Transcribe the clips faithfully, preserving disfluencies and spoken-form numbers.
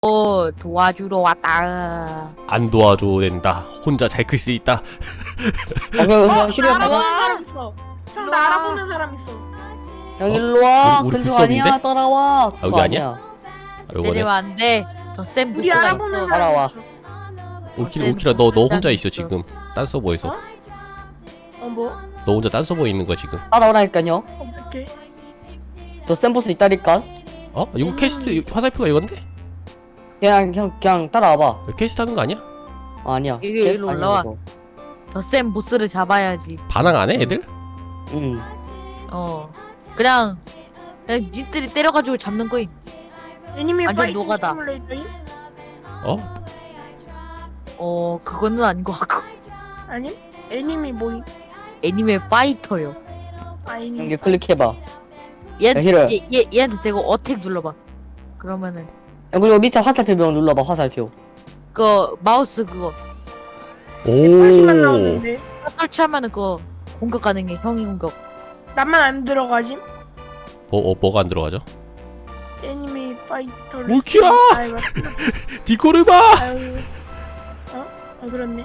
도와주러 왔다. 안 도와줘도 된다. 혼자 잘 클 수 있다. 어, 그, 어? 그, 실력 나 알아보는 가자. 사람 있어. 형 나 알아보는 사람 있어. 형 일로 와. 우리- 우리 근처 불섭인데? 아니야. 따라와. 아, 여기 그거 아니야? 아, 요거네. 때리면 안 돼. 더 센 우리 부스가 알아보는 있어. 사람 따라와. 있어. 오키라 오키라 너 너 혼자 있어 지금. 딴 서버에서. 어? 어 뭐? 너 혼자 딴 서버에 있는 거야 지금. 따라오라니까요. 어떻게? 더 센 보스 있다니까. 어? 이거 캐스트 화살표가 이건데? 그냥 형 그냥 따라와봐. 이거 캐스트 하는 거 아니야? 아, 아니야. 여기 캐스트 일로 아니야, 올라와. 이거. 더 센 보스를 잡아야지. 반항 안 해 애들? 응. 어. 그냥 그냥 니들이 때려가지고 잡는 거임. 애니메 완전 파이팅 노가다. 시뮬레이터임? 어? 어 그거는 아닌 것 같고. 아니? 애니메 뭐임? 애니메 파이터요. 아 애니메. 형기 클릭해봐. 얘, 야, 히로. 얘, 얘 얘한테 대고 어택 눌러봐. 그러면은 야, 그리고 밑에 화살표 명 눌러봐. 화살표. 그 마우스 그거 다시만 오. 나오는데. 설치하면은 그거 공격 가능해. 형이 공격. 나만 안 들어가지? 뭐 어, 뭐가 안 들어가죠? 애니메 파이터. 울키라! 아유, 디코르바! 아유. 어? 어 그렇네.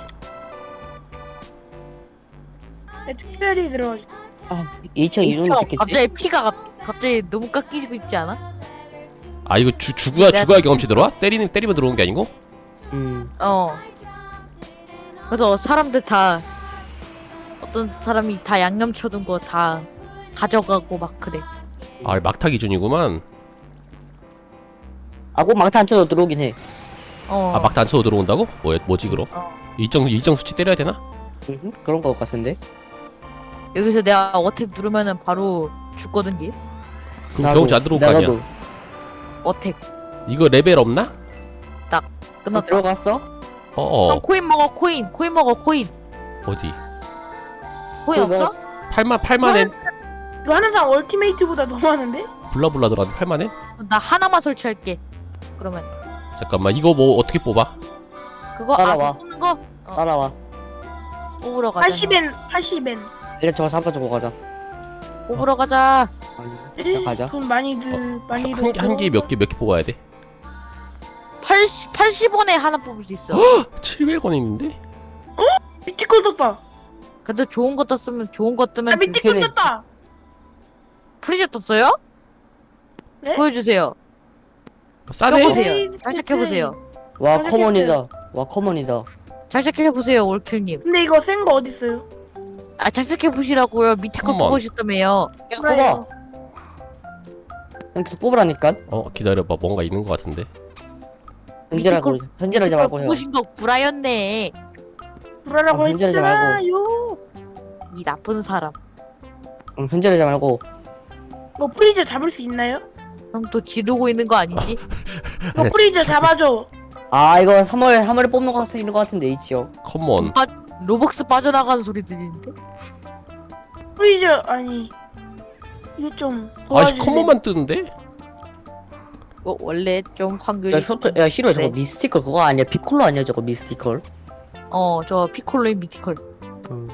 내 특별히 들어가지. 아, 이천 이 정도 이청, 됐겠지? 갑자기 피가 갑, 갑자기 너무 깎이고 있지 않아? 아 이거 주 죽어야 내가 죽어야 경험치 죽겠어. 들어와? 때리는 때리면 들어오는 게 아니고? 음. 어. 그래서 사람들 다 어떤 사람이 다 양념 쳐둔 거 다 가져가고 막 그래. 아 막타 기준이구만. 아, 꼭 막타 안 쳐도 들어오긴 해. 어. 아 막타 안 쳐도 들어온다고? 뭐 뭐지 그럼? 어. 일정 일정 수치 때려야 되나? 음, 그런 거 같은데. 여기서 내가 어택 누르면은 바로 죽거든 얘. 그럼 경험치 안 들어올 거 아니야? 나도. 어택 이거 레벨 없나? 너 끝났다. 들어갔어? 어어. 형 코인 먹어 코인. 코인 먹어 코인. 어디? 코인 코인 없어? 팔만 팔만엔 이거 하는 사람 얼티메이트보다 더 많은데? 블라블라 들어왔는데 팔만엔? 나 하나만 설치할게. 그러면 잠깐만 이거 뭐 어떻게 뽑아? 그거 따라와. 아 뽑는 거 어, 따라와. 뽑으러 가자. 팔십 엔, 팔십 엔. 일단 저거 잡아주고 가자. 뽑으러 가자. 아니, 그냥 가자. 돈 많이 드, 많이 드. 한 개 몇 개 몇 개 뽑아야 돼? 팔십 팔십 원에 하나 뽑을 수 있어. 칠백 원 있는데? 밑에 거 떴다. 근데 좋은 거 떴으면 좋은 거 뜨면 아 밑에 거 그래. 떴다. 프리즈 떴어요? 네? 보여주세요. 싸네? 껴보세요. 에이, 잘 체크해보세요. 와, 맞아, 커먼이다. 와, 커먼이다. 잘 체크해보세요 올킬님. 근데 이거 센 거 어디 있어요? 아 잘 체크해보시라고요. 밑에 거 컴온. 보고 싶다며요. 계속 그래요. 뽑아. 그냥 계속 뽑으라니까. 어 기다려봐 뭔가 있는 것 같은데. 현질하고, 밑에 현질하지 밑에 거 말고 형. 보신 거 구라였네. 불하라고 어, 문제하지 했잖아요. 이 나쁜 사람. 응, 현질하지 말고. 이거 프리저 잡을 수 있나요? 형 또 지르고 있는 거 아니지? 이거 프리저 잡아줘. 아, 이거 삼월, 삼월에 뽑는 거 같은, 있는 거 같은데, H요. 컴온. 빠, 로벅스 빠져나가는 소리 들리는데? 프리저 아니 이게 좀 아씨 도와주세요. 컴온만 뜨는데? 어, 원래 좀 확률이 야, 쇼트, 야, 히로 저거 그래. 미스티컬 그거 아니야? 피콜로 아니야, 저거 미스티컬? 어저 피콜로인 미티컬. 응.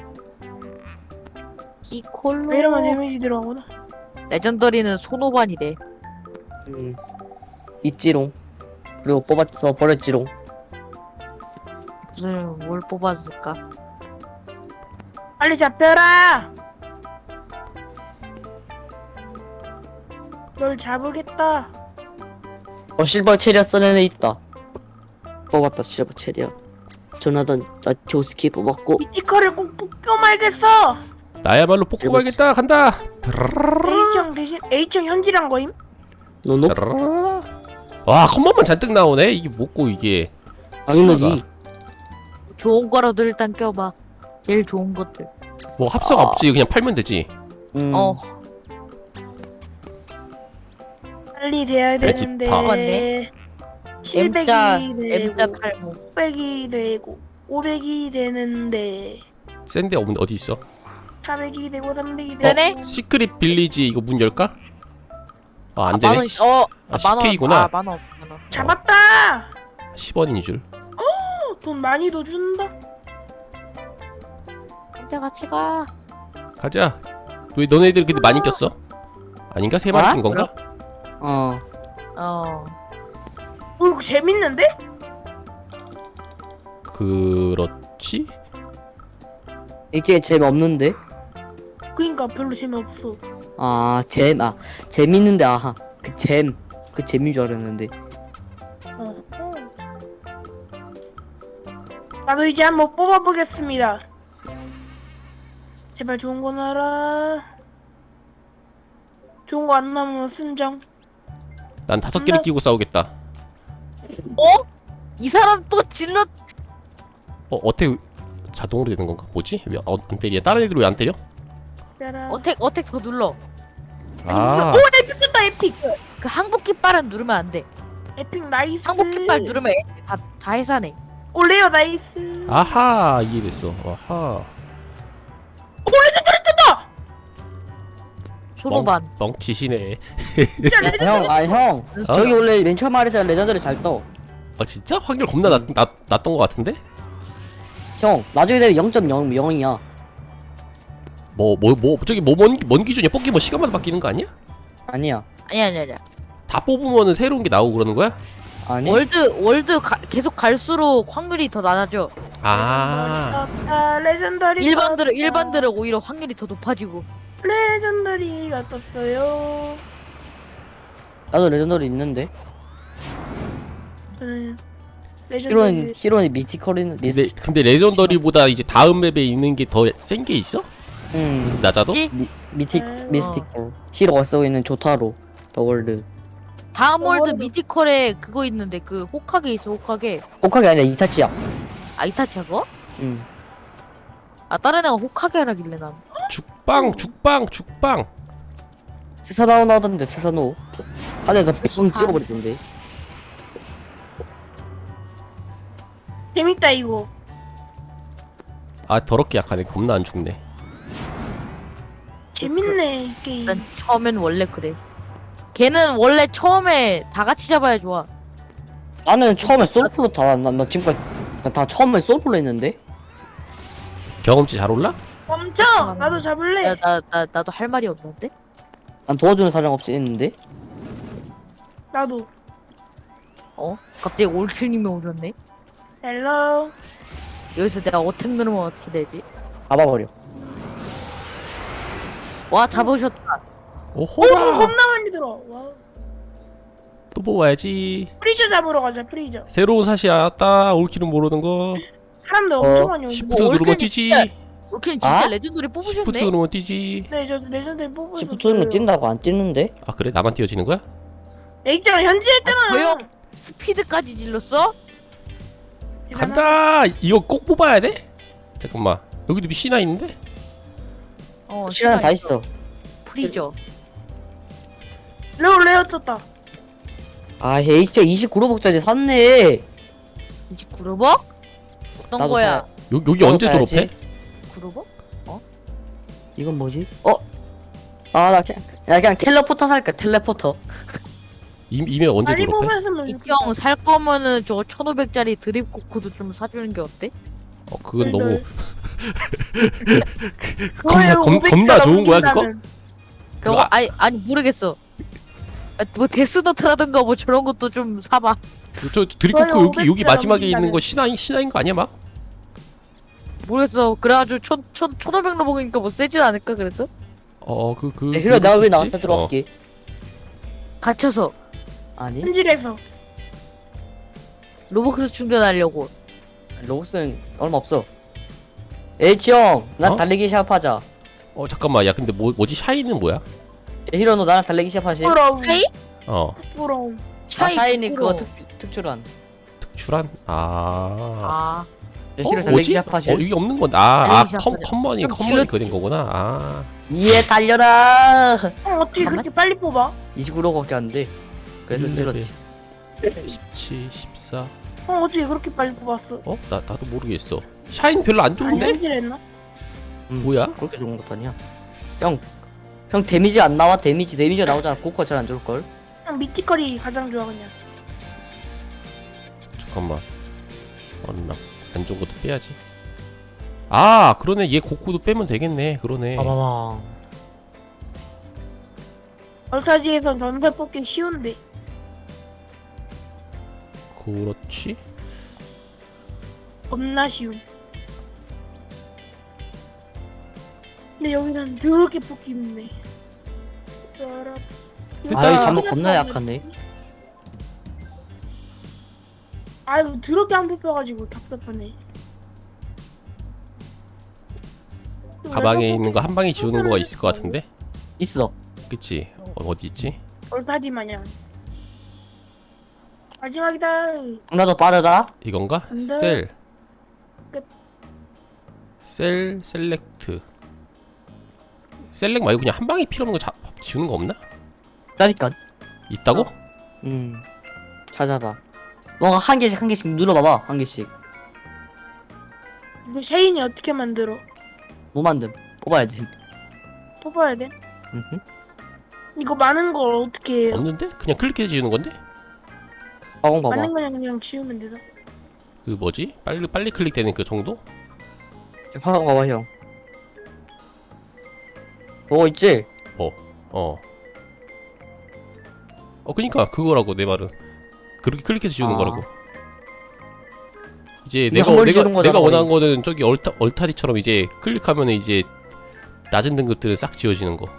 피콜로. 왜 이러면 데미지 들어가구나. 레전더리는 소노반이래. 음. 있지롱. 그리고 뽑았어, 버렸지롱. 무슨 뭘 뽑아줄까? 빨리 잡혀라. 널 잡으겠다. 어, 실버 체리엇 써낸 애 있다. 뽑았다, 실버 체리엇. 조나단, 라티오스키 뽑았고. 미티컬을 꼭 뽑고 말겠어. 나야말로 뽑고 말겠다 간다. H형 대신 H형 현질한 거임? 노노? 와 컴온만 잔뜩 나오네. 이게 뭐고 이게. 당연하지. 좋은 거라도 일단 껴봐. 제일 좋은 것들. 뭐 합성 아. 없지 그냥 팔면 되지. 음. 어 빨리 돼야 돼지파. 되는데. 맞네. 칠백이 M자 되고 M자 탈모. 육백이 되고 오백이 되는데 센데 없는 어디 있어? 사백이 되고 삼백이 되고 되네? 시크릿 빌리지 이거 문 열까? 아 안 아, 되네. 만 원, 어, 아, 만 원. 십 케이구나. 아, 만 원, 만 원. 잡았다. 십 원인 줄. 어, 돈 많이 더 준다. 함께 같이 가. 가자. 왜 너네들 근데 많이 꼈어? 아닌가? 세 마리 아? 낀 건가? 어. 어. 어, 재밌는데? 그렇지? 이게 재미없는데? 그니까 별로 재미없어. 아, 잼, 아, 재밌는데, 아하. 그 잼, 그 재미인 줄 알았는데. 어. 어. 나도 이제 한번 뽑아보겠습니다. 제발 좋은 거 나라. 좋은 거 안 나오면 순정. 난 다섯 개를 끼고 싸우겠다. 어? 이 사람 또 질러. 어 어택 자동으로 되는 건가? 뭐지? 왜 어, 안 때려? 다른 애들 왜 안 때려? 짜라. 어택 어택 더 눌러. 아 오 에픽 됐다 에픽. 그 항복기 빨은 누르면 안 돼. 에픽 나이스. 항복기 빨 누르면 애들이 다, 다 해산해. 오 레어 나이스. 아하 이해됐어. 아하 오 레전더리 떴다. 소노반. 멍치시네. 진짜 레전더리. 형, 아, 형. 저기 원래 맨 처음 말했잖아. 레전드를 잘 떠. 아 진짜? 확률 겁나 낮, 낮, 낮던 것 같은데? 형, 나중에 되면 영 점 영이야. 뭐 뭐 뭐 저기 뭐뭔 뭔 기준이야? 뽑기 뭐 시간마다 바뀌는 거 아니야? 아니야. 아니야 아니야 아니야. 다 뽑으면은 새로운 게 나오고 그러는 거야? 아니? 월드 월드 가, 계속 갈수록 확률이 더 낮아져. 아 떴다. 레전더리. 일반들은 떴다. 일반들은 오히려 확률이 더 높아지고. 레전더리가 떴어요. 나도 레전드를 있는데. 저는 히로는, 레전더리. 히로는 미티컬이는, 근데 미스틱. 근데 레전더리보다 이제 다음 맵에 있는 게 더 센 게 있어? 음. 낮아도? 그치? 미, 미틱, 어. 미스티컬. 히로가 쓰고 있는 조타로. 더 월드. 다음 월드 월드. 미티컬에 그거 있는데 그 호카게 있어 호카게. 혹하게 아니라 이타치야. 아 이타치야 그거? 음. 아 다른 애가 호카게라길래 난. 죽빵 죽빵 죽빵. 스사나오 나오던데, 스사노. 하늘에서 뿅 찍어버리던데. 재밌다 이거. 아 더럽게 약하네. 겁나 안 죽네. 재밌네 이 게임. 난 처음엔 원래 그래. 걔는 원래 처음에 다 같이 잡아야 좋아. 나는 처음에 솔플로 다, 나, 나 지금까지, 나 다 처음에 솔플로 했는데? 경험치 잘 올라? 멈춰. 나도 잡을래. 나, 나, 나 나도 할 말이 없는데. 난 도와주는 사람 없이 했는데? 나도. 어? 갑자기 올큐님이 오셨네. 헬로. 여기서 내가 어택 누르면 어떻게 되지? 잡아버려. 와 잡으셨다. 오 오, 돈 호라. 겁나 많이 들어. 와. 또 뽑아야지. 프리저 잡으러 가자. 프리저. 새로운 사시 알았다. 올킬은 모르는 거. 사람들 어, 엄청 많이 오는데. 시프트 뭐 누르면 올킬이 뛰지. 진짜- 올큐님 진짜 아? 레전드리 시프트 뽑으셨네. 누르면 뛰지. 네, 저 레전드 뽑으셨어요. 시프트는 뛴다고 안 뛰는데? 아 그래? 나만 뛰어지는 거야? 내 있잖아. 현지했잖아. 아, 조용. 스피드까지 질렀어? 간다. 이거 꼭 뽑아야 돼? 잠깐만. 여기도 C나 있는데? 어 시간 다 있어. 프리저. 레오 레오 떴다. 아, 에이치 이십구 로벅짜리 샀네. 이십구 로벅? 어떤 나도 거야? 사- 여, 여기 어, 언제 사야지. 졸업해? 구 로벅? 이건 뭐지? 어? 아, 나 그냥, 나 그냥 텔레포터 살까, 텔레포터. 이, 이메 언제 빨리 졸업해? 뽑았으면 이경 살 거면은 저거 천오백짜리 드립 코크도 좀 사주는 게 어때? 어 그건 덜, 너무 좋아요. 겁나 겁, 오백 겁나 개가 좋은 거야 그거? 넘긴다면. 저거 아- 아니 아니 모르겠어. 아, 뭐 데스노트라든가 뭐 저런 것도 좀 사봐. 저 드리코크 좋아요, 여기 여기 오백 개가 마지막에 있는 넘긴다면. 거 신화인 신화인 거 아니야 막? 모르겠어. 그래가지고 천, 천, 천오백 로벅이니까 뭐 세진 않을까 그래서? 어그그 그, 네, 그래, 내가 왜 나한테 어. 들어갈게? 갇혀서 아니, 현질에서. 로벅스 충전하려고. 로봇은 얼마 없어. 에이치 형, 난 어? 달리기 시합하자. 어 잠깐만 야 근데 뭐 뭐지 샤이는 뭐야? 히로 너 나랑 달리기 시합하시? 부러움. 차이? 어 부러움. 아, 차이 샤이니 부끄러워. 그거 특, 특출한. 특출한 아. 아 네, 어, 히로 달리기 뭐지? 시합하시? 어 이게 없는 건데 아아 달리기 시합하자. 컴머니 그럼 컴머니 질러- 그린 거구나 아 이에 달려라. 형 어떻게 그렇게 빨리 뽑아? 이십구 로밖에 안 돼. 그래서 음, 찔렀지. 십칠, 십사 형 어떻게 그렇게 빨리 뽑았어? 어? 나, 나도 모르겠어 샤인 별로 안 아니 좋은데? 현질했나? 음, 뭐야? 그렇게 좋은 것도 아니야. 형, 형 데미지 안 나와? 데미지 데미지 나오잖아. 고커 잘 안 좋을 걸. 형 미티컬이 가장 좋아 그냥. 잠깐만 어나 안 좋은 것도 빼야지 아 그러네 얘 고쿠도 빼면 되겠네 그러네 봐봐봐. 얼타지에선 전설 뽑기 쉬운데. 그렇지. 겁나 쉬움. 근데 여기는 더럽게 뽑기 힘드네. 따라- 이거 아, 이 아, 잠옷 겁나 약하네. 아 이거 더럽게 안 뽑혀가지고 답답하네. 가방에 있는 거 한 방에 지우는 거가 있을 것 같은데. 있어. 그치? 어, 어디 있지? 얼파지 마냥. 마지막이다. 나도 빠르다. 이건가? 안 돼. 셀. 끝. 셀 셀렉트. 셀렉 말고 그냥 한 방에 필요 없는 거 자, 지우는 거 없나? 그러니까. 있다고? 음. 찾아봐. 뭔가 한 개씩 한 개씩 눌러봐봐. 한 개씩. 이거 샤인이 어떻게 만들어? 뭐 만듦? 뽑아야 돼. 뽑아야 돼? 음흠. 이거 많은 걸 어떻게 해요? 없는데? 그냥 클릭해서 지우는 건데? 가방 봐봐. 많은 거냥 그냥 지우면 되나? 그 뭐지? 빨리 빨리 클릭되는 그 정도? 가방 봐봐 형. 뭐 있지? 어. 어. 어 그니까 그거라고 내 말은. 그렇게 클릭해서 지우는 아. 거라고. 이제 이게 내가 한 번에 내가 지우는 거잖아, 내가 원하는 거의. 거는 저기 얼타 얼타리처럼 이제 클릭하면 이제 낮은 등급들은 싹 지워지는 거.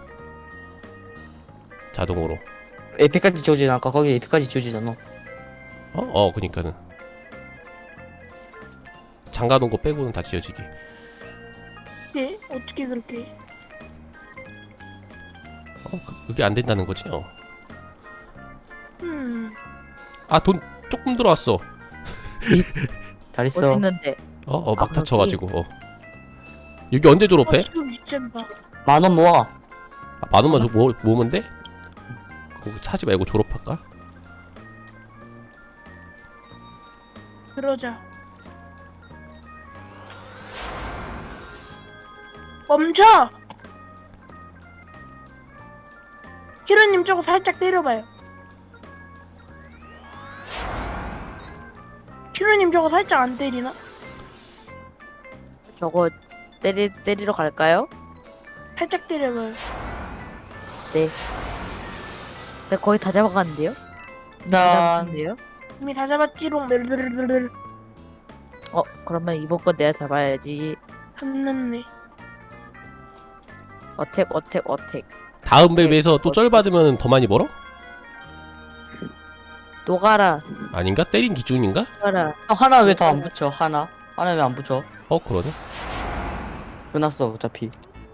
자동으로. 에피까지 지워지지 않을까? 거기 에피까지 지워지잖아. 어? 어 그니까는 잠가놓은 거 빼고는 다 지워지게. 네? 어떻게 그렇게 해? 어 그, 그게 안 된다는 거지? 어. 음... 아 돈 조금 들어왔어. 잘 어디 있어. 있는데? 어 어 막 아, 다쳐가지고 어. 여기 언제 졸업해? 어, 지금 귀찮다. 만 원 모아. 아, 만 원만 줘 모, 모으면 돼? 그거 사지 말고 졸업할까? 그러자. 멈춰! 히로님 저거 살짝 때려봐요. 히로님 저거 살짝 안 때리나? 저거 때리 때리러 갈까요? 살짝 때려봐요. 네. 네 거의 다 잡아갔는데요? 다 짠. 잡았는데요? 이미 다 잡았지롱. 르르르르르. 어 그러면 이번 건 내가 잡아야지. 안 남네. 어택 어택 어택. 다음 맵에서 또 쩔 받으면 더 많이 벌어? 노가라 아닌가? 때린 기준인가? 노가라. 형 하나 왜 더 안 붙여? 하나? 하나 왜 안 붙여? 어 그러네. 끝났어 어차피.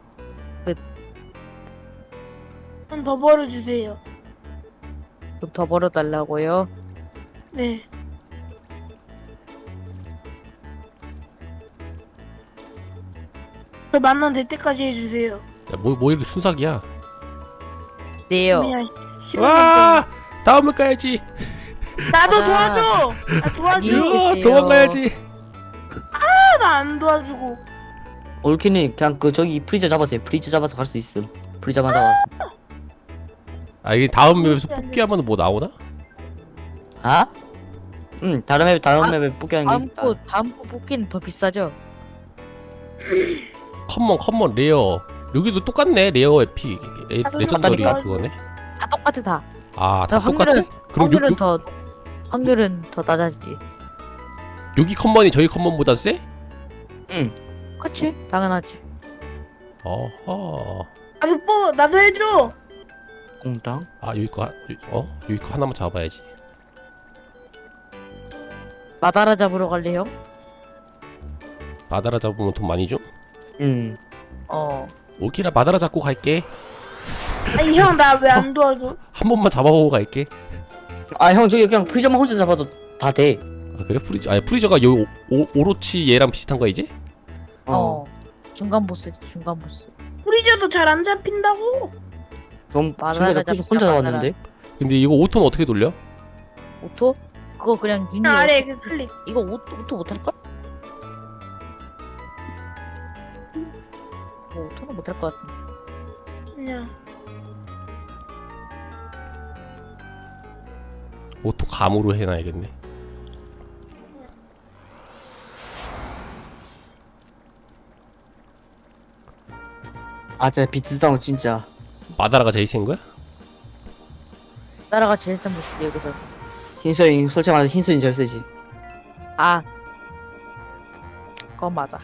좀 더 벌어주세요. 좀 더 벌어달라고요? 네. 저 만난 될 때까지 해주세요. 야, 뭐, 뭐 이렇게 순삭이야? 네요. 그냥 히로님 와! 다음 맵 가야지. 때문에. 나도 아. 도와줘. 아, 도와줘. 아니. 으아, 있어요. 도망가야지. 나 안 도와주고. 올키는 그냥 그 저기 프리저 잡았어요. 프리저 잡아서 갈 수 있음. 프리저만 잡았어. 아 이게 다음 맵에서 뽑기하면 뭐 나오나? 아? 응 다른 맵 다른 아, 맵에 뽑기 하는 게 다음 있다. 거 다음 거 뽑기는 더 비싸죠? 컴먼 컴먼 레어. 여기도 똑같네. 레어 에픽 레, 아, 레전더리 똑같다니까. 그거네. 다 똑같아 다. 아 다 확률은- 똑같아? 그럼 요, 확률은 요, 더 확률은 더 낮아지. 여기 컴먼이 저희 컴먼보다 세? 응. 그치? 당연하지. 어허. 나도 뽑 나도 해줘. 공당. 아 여기 거 하- 여- 어? 여기 거 하나만 잡아야지. 마다라 잡으러 갈래요? 마다라 잡으면 돈 많이 줘? 응. 어. 오키라 마다라 잡고 갈게. 아니 형 나 왜 안 도와줘? 한 번만 잡아보고 갈게. 아 형 저기 그냥 프리저만 혼자 잡아도 다 돼. 아 그래? 프리저 아니 프리저가 요 오, 오로치 얘랑 비슷한 거야 이제? 어. 중간 보스 중간 보스. 프리저도 잘 안 잡힌다고. 좀 마다라 친구가 프리저 혼자 잡자, 잡았는데. 근데 이거 오토는 어떻게 돌려? 오토? 그거 그냥 님이 그냥 아래 그 클릭. 이거 오, 오토 못할걸? 뭐 오토는 못할 것 같은데. 그냥 오토 감으로 해놔야겠네. 아 진짜 비트다운 진짜. 마다라가 제일 센 거야? 나라가 제일 센 보스 여기서. 흰수인 솔직히 말해서 흰수인 제일 세지. 아 그건 맞아.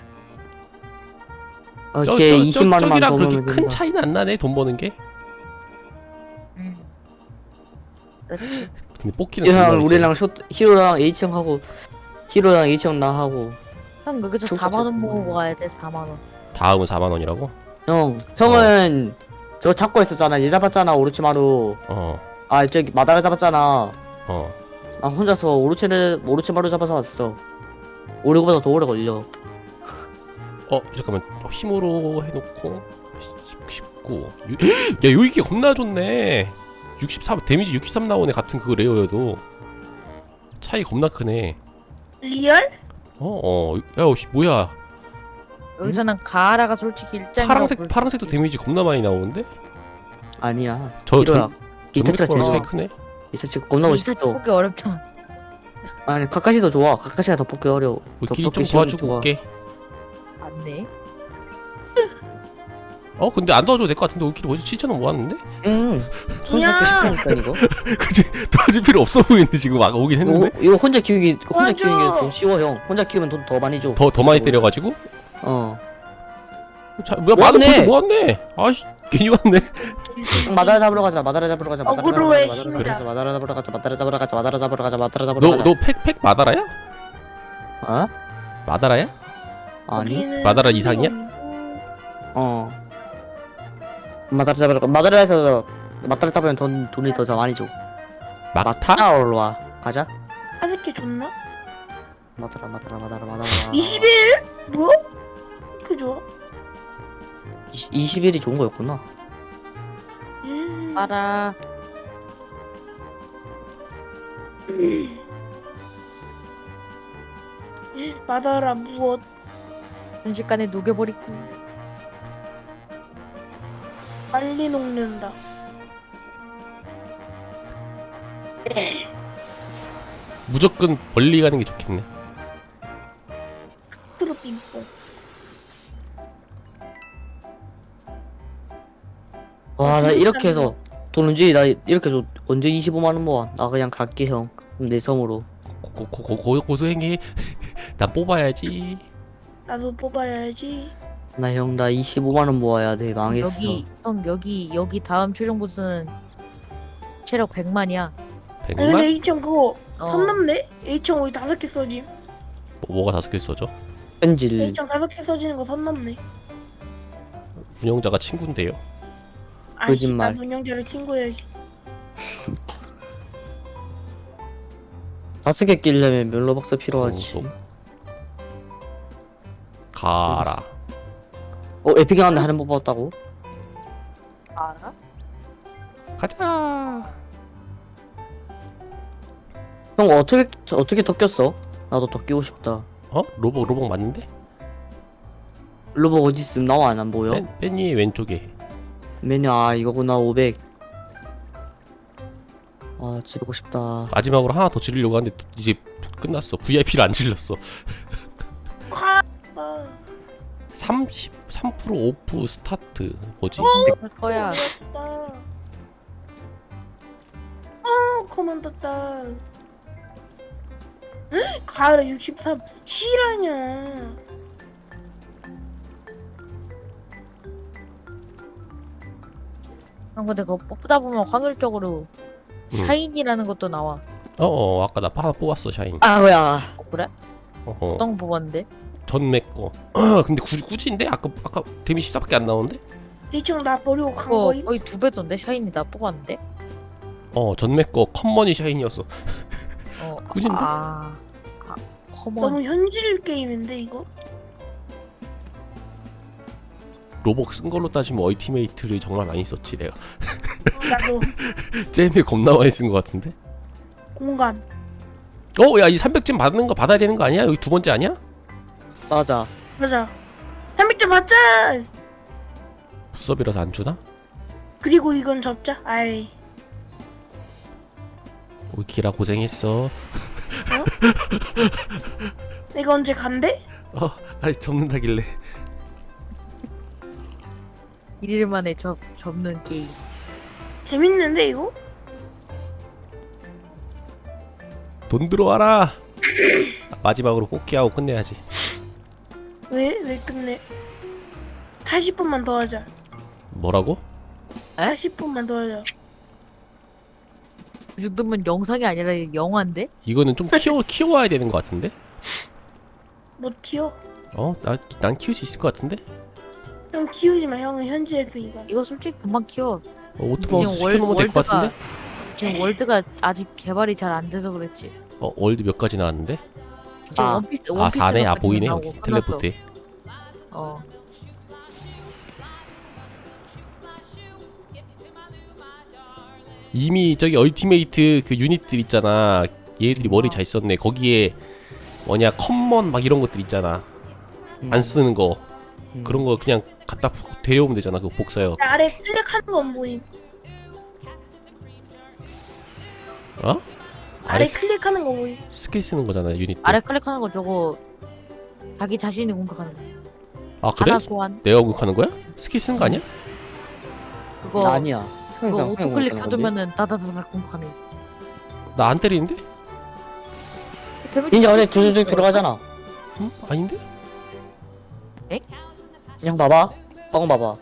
어, 저, 걔 저, 이십만 저, 원만 저기랑 더 그렇게 벌면 큰 된다. 차이는 안 나네 돈 버는 게. 음. 그렇지. 근데 뽑기는 정말 이랑 있어요. 우리랑 쇼 히로랑 H형 하고 히로랑 H형 나 하고 형 여기서 총 사만 원 가지고. 모으고 가야 돼. 사만 원. 다음은 사만 원이라고? 형 형은 저거 잡고 있었잖아. 얘 잡았잖아 오로치마루. 어 아 저기 마다라 잡았잖아. 어. 나 혼자서 오로치를 오로치마루 잡아서 왔어. 오래보다 더 오래 걸려. 어 잠깐만 어, 힘으로 해놓고 십구 야 요이게 겁나 좋네. 육십삼 데미지 육십삼 나오네. 같은 그 레어여도 차이 겁나 크네. 리얼? 어어 야 씨, 뭐야 여기서는 가하라가 솔직히 일장이라고 파랑색 볼수 파랑색도 있지. 데미지 겁나 많이 나오는데? 아니야. 저 히로야. 전- 이타치가 제일 전맥 거랑 좋아. 차이 크네. 이타치가 겁나 이타 멋있어. 뽑기 어렵잖아. 아니 카카시도 좋아. 카카시가 더 뽑기 어려워. 우리 더 길이 좀 뽑기 쉬운 도와주고 좋아. 올게. 맞네. 어 근데 안 도와줘도 될 것 같은데 우리 길이 벌써 칠천 원 모았는데? 응. 야. 천삼백 싶다니까 이거. 그치 도와줄 필요 없어 보이는데 지금 막 오긴 이거, 했는데? 이거 혼자 키우기 혼자 맞아. 키우는 게 더 쉬워 형. 혼자 키우면 돈 더 많이 줘. 더 더 많이 때려가지고? 어. 자, 뭐야 만원 모았네. 벌써 모았네. 아씨 괜히 왔네. 마다라 잡으러 가자. 마다라 잡으러 가자. 마다라 잡으러 어그로의 가자. 마다라 힘이다. 잡으러 가자. 마다라 잡으러 가자. 마다라 잡으러 가자. 마다라 잡으러 가자. 마다라 잡으러 가자. 너 너 팩 팩 마다라야? 어? 마다라야? 아니. 거기는 마다라 삼백 이상이야? 원이고. 어. 마다라 잡으러 가. 마다라에서 마다라 잡으면 돈 돈이 더 많이 줘. 막타? 마다라로 와. 가자. 하스케 좋나? 마다라 마다라 마다라 마다라. 이십일? 뭐? 그죠? 이십 일이 좋은 거였구나. 음. 알아. 마다라 무엇? 순식간에 녹여버리기. 빨리 녹는다. 무조건 멀리 가는 게 좋겠네. 트로 빙뽕. 와, 나 어떻게 이렇게 사는 해서 돈 언제 나 이렇게 해서 언제 이십오만 원 모아? 나 그냥 갈게 형. 그럼 내 성으로. 고고고 고소행해. 난 뽑아야지. 나도 뽑아야지. 나 형 나 이십오만 원 모아야 돼. 망했어. 여기 형 여기 여기 다음 최종 보스는 체력 백만이야. 아니 근데 백만? H청 그거 어. 선 넘네? H청 우리 다섯 개 써짐. 뭐, 뭐가 다섯 개 써져? 현질. H청 다섯 개 써지는 거 선 넘네. 운영자가 친구인데요. 아이씨 거짓말. 나 운영자를 친구해야지. 다섯 개 끼려면 멜로박스 필요하지. 고소. 가라. 어 에픽이 나왔는데 하는 법 봤다고? 알아? 가자. 형 어떻게 어떻게 더 꼈어? 나도 더 끼고 싶다. 어? 로봇 로봇 맞는데? 로봇 어디 있음? 나와 안 보여? 맨, 맨 위에 왼쪽에. 메뉴 아 이거구나 오백. 아 지르고 싶다. 마지막으로 하나 더 지르려고 하는데 또 이제 끝났어. 브이아이피를 안 질렀어. 카. 삼십삼 퍼센트 오프 스타트. 뭐지? 할 거야. 떴다. 어 커먼 떴다. 가을에 육십삼 실화냐? 형 근데 그거 뽑다 보면 확률적으로 음. 샤인이라는 것도 나와. 어어 아까 나 하나 뽑았어 샤인. 아 뭐야? 어, 그래? 어어 어떤 거 뽑았는데? 전맥 거. 근데 구, 굳이인데? 아까 아까 데미 십사밖에 안 나오는데? H청 나 버리고 간 그거 거임? 거의 두 배던데 샤인이 나 뽑았는데? 어 전맥 거 컴머니 샤인이었어. 어. 굳인데? 아. 아 커먼. 너무 현질 게임인데 이거? 로벅 쓴 걸로 따지면 얼티메이트를 정말 많이 썼지 내가. 나도 잼에 겁나 많이 쓴 거 같은데? 공감. 어? 야 이 삼백 잼 받는 거 받아야 되는 거 아니야? 여기 두 번째 아니야? 맞아. 맞아. 삼백 점 받자. 부섭이라서 안 주나? 그리고 이건 접자. 아이. 우리 기라 고생했어. 내가 언제 간대? 어 아니 접는다길래. 일일 만에 접 접는 게임. 재밌는데 이거? 돈 들어와라. 마지막으로 뽑기하고 끝내야지. 왜? 왜 끝내? 사십 분만 더 하자. 뭐라고? 사십 분만 더 하자. 이 정도면 영상이 아니라 영화인데? 이거는 좀 키워 키워야 되는 것 같은데? 못 키워? 어? 나, 난 키울 수 있을 것 같은데? 형 키우지 마. 형은 현지 했으니까. 이거 솔직히 금방 키워. 어, 오토마우스 지금 월- 시켜놓으면 될 것 월드가- 같은데? 지금 월드가 아직 개발이 잘 안 돼서 그랬지. 어, 월드 몇 가지 나왔는데? 지금 아. 원피스 아, 원피스 사네? 아, 보이네 여기 텔레포트. 어. 이미 저기 얼티메이트 그 유닛들 있잖아. 얘들이 머리 어. 잘 썼네. 거기에 뭐냐 컴먼 막 이런 것들 있잖아. 안 쓰는 거 음. 그런 거 그냥 갖다 푹 데려오면 되잖아. 그거 복사요. 아래 클릭하는 건 뭐임? 어? 아래 아래 스, 클릭하는 거 뭐임? 스킬 쓰는 거잖아 유닛. 아래 클릭하는 거 저거 자기 자신이 공격하는 거. 아 그래? 하나 소환. 내가 공격하는 거야? 스킬 쓰는 거 아니야? 그거 나 아니야. 형이 그거 그냥 오토 형이 클릭 공격하는 건데. 해두면은 다다다닥 공격하네. 나 안 때리는데? 이제 어제 주주주 들어가잖아. 응? 아닌데? 그냥 봐봐. 화공 봐봐.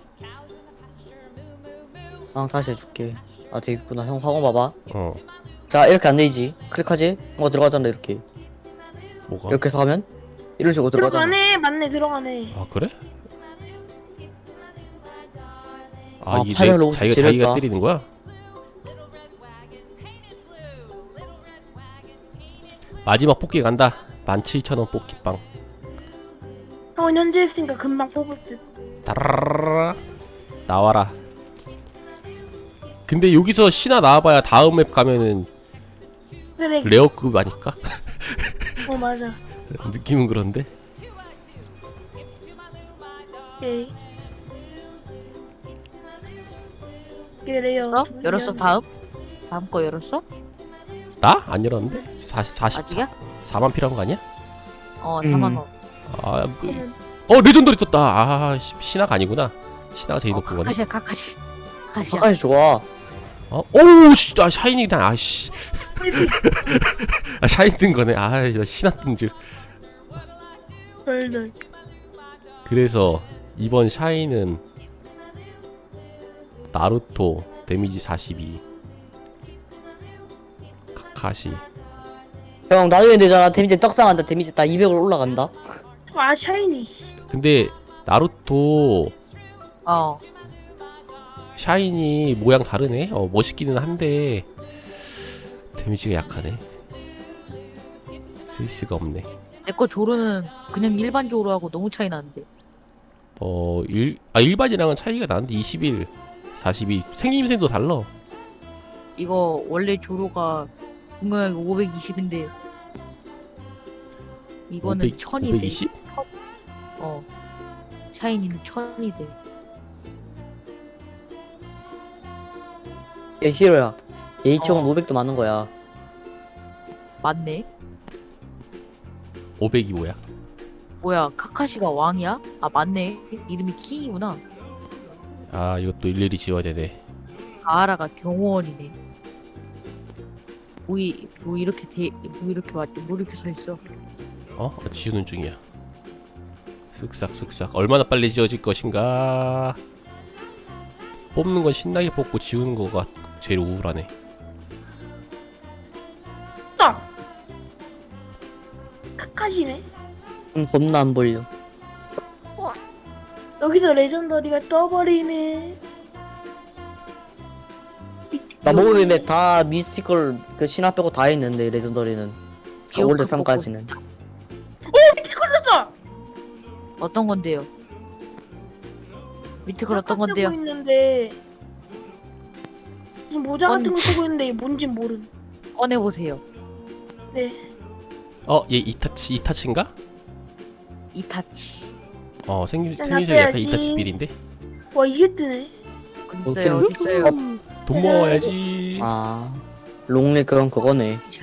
아 다시 해줄게. 아 되겠구나. 형 화공 봐봐. 어 자 이렇게 안 되지. 클릭하지? 뭐 들어가잖아 이렇게. 뭐가? 이렇게 해서 하면 이런 식으로 들어가잖아. 들어가네. 맞네. 들어가네. 아 그래? 아, 아, 이게 파이널 내, 로봇 자기가 지렸다. 자기가 때리는 거야? 마지막 뽑기 간다. 만 칠천 원 뽑기빵. 형은 현지 했으니까 금방 뽑을 듯. 따라라라 나와라. 근데 여기서 신화 나와봐야 다음 맵 가면은 그래. 레어급 아닐까? 어 맞아. 느낌은 그런데. 오케이. 그래요. 어? 열었어 다음? 다음 거 열었어? 나? 안 열었는데? 사십, 사십, 아직이야? 사만 필요한 거 아니야? 어 음. 사만 원. 아, 뭐, 어 레전더리 떴다. 아, 시- 신화가 아니구나. 신화가 제일 어, 높은 거네. 카카시야 카카시. 카카시야. 가까이 좋아. 어? 오우 씨, 아 샤이니다. 아씨. 아 샤인 뜬 거네. 아, 나 신화 뜬 줄. 덜덜. 그래서 이번 샤이는 나루토 데미지 사십이, 카카시. 형 나중에 되잖아. 데미지 떡상한다. 데미지 딱 이백으로 올라간다. 아 샤이니. 씨. 근데 나루토 어. 샤이니 모양 다르네. 어 멋있기는 한데 데미지가 약하네. 스위스가 없네. 내 거 조르는 그냥 일반 조르하고 너무 차이 나는데. 어, 일, 아 일반이랑은 차이가 나는데 이십일, 사십이 생김새도 달라. 이거 원래 조로가 공격력이 오백이십인데 이거는 오백, 천이 돼. 오백이십? 어. 샤이니는 천이 돼. 얘 히로야. 얘 이천원 어. 오백도 많은 거야. 맞네. 오백이 뭐야? 뭐야 카카시가 왕이야? 아 맞네. 이름이 킹이구나. 아 이것도 일일이 지워야 되네. 가하라가 경호원이네. 뭐, 이, 뭐 이렇게 돼, 뭐 이렇게 맞지? 뭐 이렇게 서 있어? 어? 어, 지우는 중이야. 쓱싹 쓱싹. 얼마나 빨리 지워질 것인가. 뽑는 건 신나게 뽑고 지우는 거가 제일 우울하네. 딱. 카카시네. 음 겁나 안 보여. 여기서 레전더리가 떠버리네. 나 모험의 맵다 미스티컬 그 신화 빼고 다 했는데 레전더리는 사 월드 삼까지는. 밑에 걸렸다. 어떤 건데요? 밑에 걸 어떤 건데요? 쓰고 있는데 무슨 모자 같은 언- 거 쓰고 있는데 이게 뭔진 모름. 꺼내 보세요. 네. 어? 얘 이타치 이타치인가? 이타치. 어 생김 야, 생김새 약간 나빼야지. 이타치 빌인데? 와 이게 뜨네. 어딨어요? 어떻게- 어딨어요? 돈 모아야지. 아 롱리 그건 그거네.